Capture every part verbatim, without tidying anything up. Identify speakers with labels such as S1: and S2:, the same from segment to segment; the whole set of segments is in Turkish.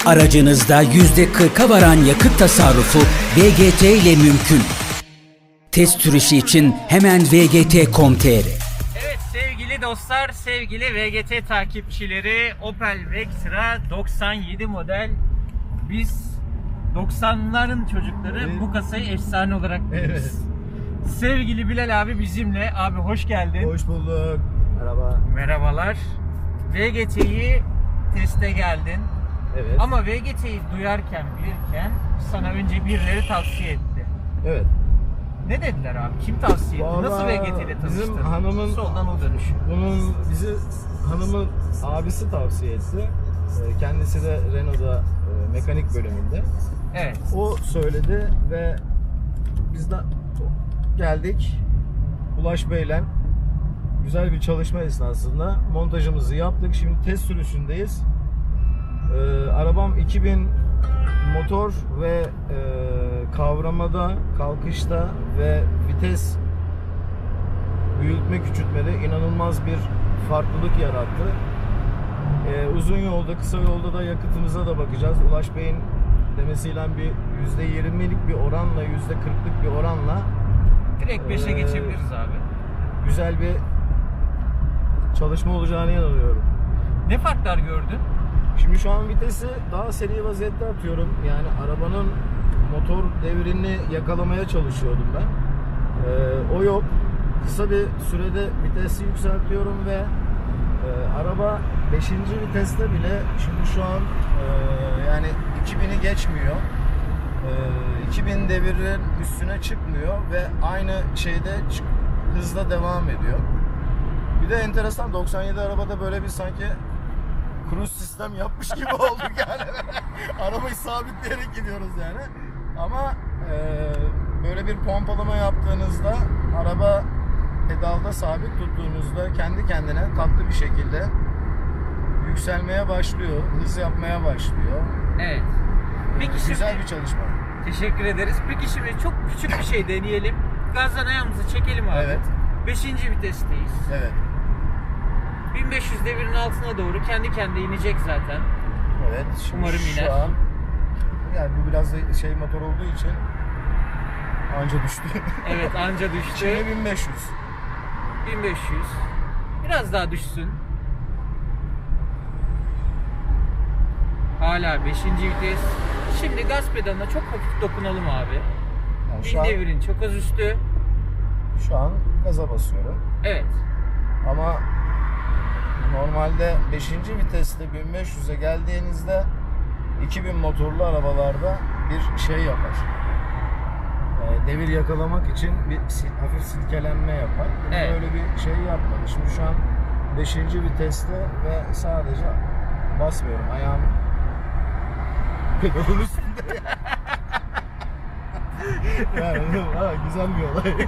S1: Aracınızda yüzde kırka varan yakıt tasarrufu V G T ile mümkün. Test sürüşü için hemen v g t nokta com nokta t r.
S2: Evet sevgili dostlar, sevgili V G T takipçileri, Opel Vectra doksan yedi model. Biz doksanların çocukları,
S3: Evet.
S2: bu kasayı efsane olarak biliriz.
S3: Evet.
S2: Sevgili Bilal abi bizimle. Abi hoş geldin.
S3: Hoş bulduk. Merhaba.
S2: Merhabalar. V G T'yi teste geldin.
S3: Evet.
S2: Ama V G T'yi duyarken, bilirken sana önce birileri tavsiye etti.
S3: Evet.
S2: Ne dediler abi? Kim tavsiye etti?
S3: Vallahi
S2: Nasıl V G T ile tanıştın?
S3: bizim hanımın-
S2: Soldan o dönüş.
S3: Bunun bizi hanımın abisi tavsiye etti. Ee, Kendisi de Renault'da e, mekanik bölümünde.
S2: Evet.
S3: O söyledi ve biz de geldik. Ulaş Bey'le güzel bir çalışma esnasında montajımızı yaptık. Şimdi test sürüşündeyiz. Ee, arabam iki bin motor ve e, kavramada, kalkışta ve vites büyütme küçültmede inanılmaz bir farklılık yarattı. Ee, uzun yolda, kısa yolda da yakıtımıza da bakacağız. Ulaş Bey'in demesiyle bir yüzde yirmilik bir oranla, yüzde kırklık bir oranla
S2: Direkt beşe
S3: Ee,
S2: geçebiliriz abi.
S3: güzel bir çalışma olacağına inanıyorum.
S2: Ne farklar gördün?
S3: Şimdi şu an vitesi daha seri vaziyette atıyorum. Yani arabanın motor devrini yakalamaya çalışıyordum ben. Ee, o yok. Kısa bir sürede vitesi yükseltiyorum ve e, araba beşinci viteste bile şimdi şu an e, yani iki bini geçmiyor. E, iki bin devirin üstüne çıkmıyor ve aynı şeyde çık- hızla devam ediyor. Bir de enteresan, doksan yedi arabada böyle bir sanki cruise sistem yapmış gibi olduk yani. Arabayı sabitleyerek gidiyoruz yani. Ama e, böyle bir pompalama yaptığınızda araba pedalda sabit tuttuğunuzda kendi kendine tatlı bir şekilde yükselmeye başlıyor, hız yapmaya başlıyor.
S2: Evet. Peki
S3: E, güzel
S2: şimdi-
S3: bir çalışma.
S2: Teşekkür ederiz. Peki şimdi çok küçük bir şey deneyelim. Gazdan ayağımızı çekelim abi.
S3: Evet.
S2: beşinci vitesteyiz.
S3: Evet.
S2: bin beş yüz devirin altına doğru kendi kendine inecek zaten.
S3: Evet. Şimdi
S2: Umarım
S3: şu
S2: iner.
S3: an yani bu biraz da şey motor olduğu için anca düştü.
S2: Evet, anca düştü.
S3: Şimdi bin beş yüz.
S2: bin beş yüz. Biraz daha düşsün. Hala beşinci vites. Şimdi gaz pedalına çok hafif dokunalım abi.
S3: Yani
S2: Bin
S3: şu an,
S2: devirin çok az üstü.
S3: şu an gaza basıyorum.
S2: Evet.
S3: Ama normalde beşinci viteste bin beş yüze geldiğinizde iki bin motorlu arabalarda bir şey yapar. Ee, devir yakalamak için bir sil- hafif silkelenme yapar. Bunda
S2: Evet.
S3: öyle bir şey yapmadı. Şimdi şu an beşinci viteste ve sadece basmıyorum. Ayağım pedalın üstünde. Yani ha, güzel bir olay.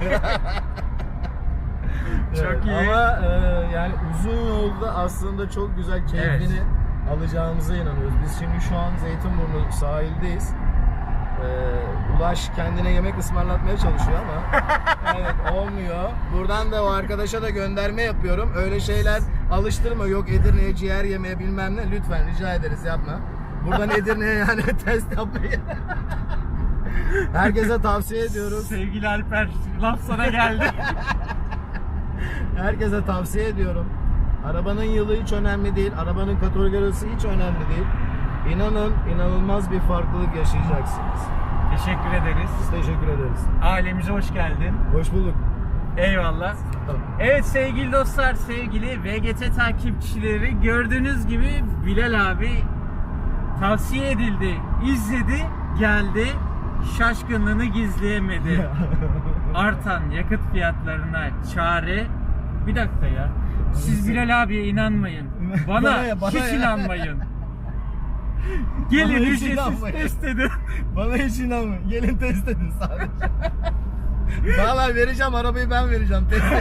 S2: Çok
S3: Evet,
S2: iyi.
S3: Ama e, yani uzun yolda aslında çok güzel keyfini
S2: Evet.
S3: alacağımıza inanıyoruz. Biz şimdi şu an Zeytinburnu sahildeyiz. E, Ulaş kendine yemek ısmarlatmaya çalışıyor ama evet olmuyor. Buradan da o arkadaşa da gönderme yapıyorum. Öyle şeyler alıştırma. Yok Edirne'ye ciğer yemeye bilmem ne. Lütfen rica ederiz, yapma. Buradan Edirne'ye yani test yapmayı herkese tavsiye ediyoruz.
S2: Sevgili Alper, laf sana geldi.
S3: Herkese tavsiye ediyorum. Arabanın yılı hiç önemli değil. Arabanın kategorisi hiç önemli değil. İnanın inanılmaz bir farklılık yaşayacaksınız.
S2: Teşekkür ederiz.
S3: Biz teşekkür ederiz.
S2: Ailemize hoş geldin.
S3: Hoş bulduk.
S2: Eyvallah. Evet sevgili dostlar, sevgili V G T takipçileri, gördüğünüz gibi Bilal abi tavsiye edildi, izledi, geldi, şaşkınlığını gizleyemedi. Artan yakıt fiyatlarına çare. Bir dakika ya. Siz Bilal abiye inanmayın. Bana,
S3: Bana ya, bana
S2: hiç
S3: ya.
S2: inanmayın. Gelin
S3: Bana hiç
S2: ücretsiz
S3: inanmayın.
S2: test edin.
S3: Bana hiç inanmayın. Gelin test edin sadece. Vallahi vereceğim, arabayı ben vereceğim. Test edin.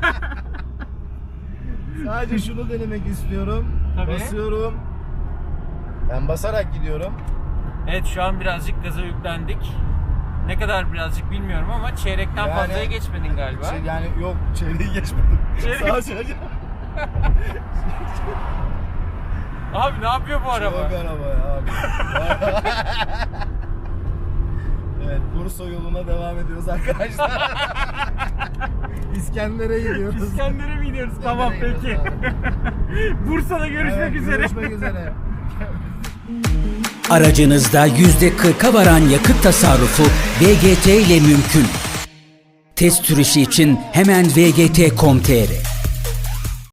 S3: Sadece şunu denemek istiyorum.
S2: Tabii.
S3: Basıyorum. Ben basarak gidiyorum.
S2: Evet, şu an birazcık gaza yüklendik. Ne kadar birazcık bilmiyorum ama çeyrekten
S3: Yani-
S2: fazlaya geçmedin galiba.
S3: Şey, yani yok, çevreyi geçmedim.
S2: Çeyrek-
S3: Sağa çevireceğim.
S2: Abi ne yapıyor bu araba?
S3: Çok araba ya abi. Evet, Bursa yoluna devam ediyoruz arkadaşlar. İskender'e gidiyoruz.
S2: İskender'e mi gidiyoruz? Tamam
S3: gidiyoruz
S2: peki. Bursa'da görüşmek
S3: Evet,
S2: üzere.
S3: Görüşmek üzere.
S1: Aracınızda yüzde kırka varan yakıt tasarrufu V G T ile mümkün. Test sürüşü için hemen v g t nokta com nokta t r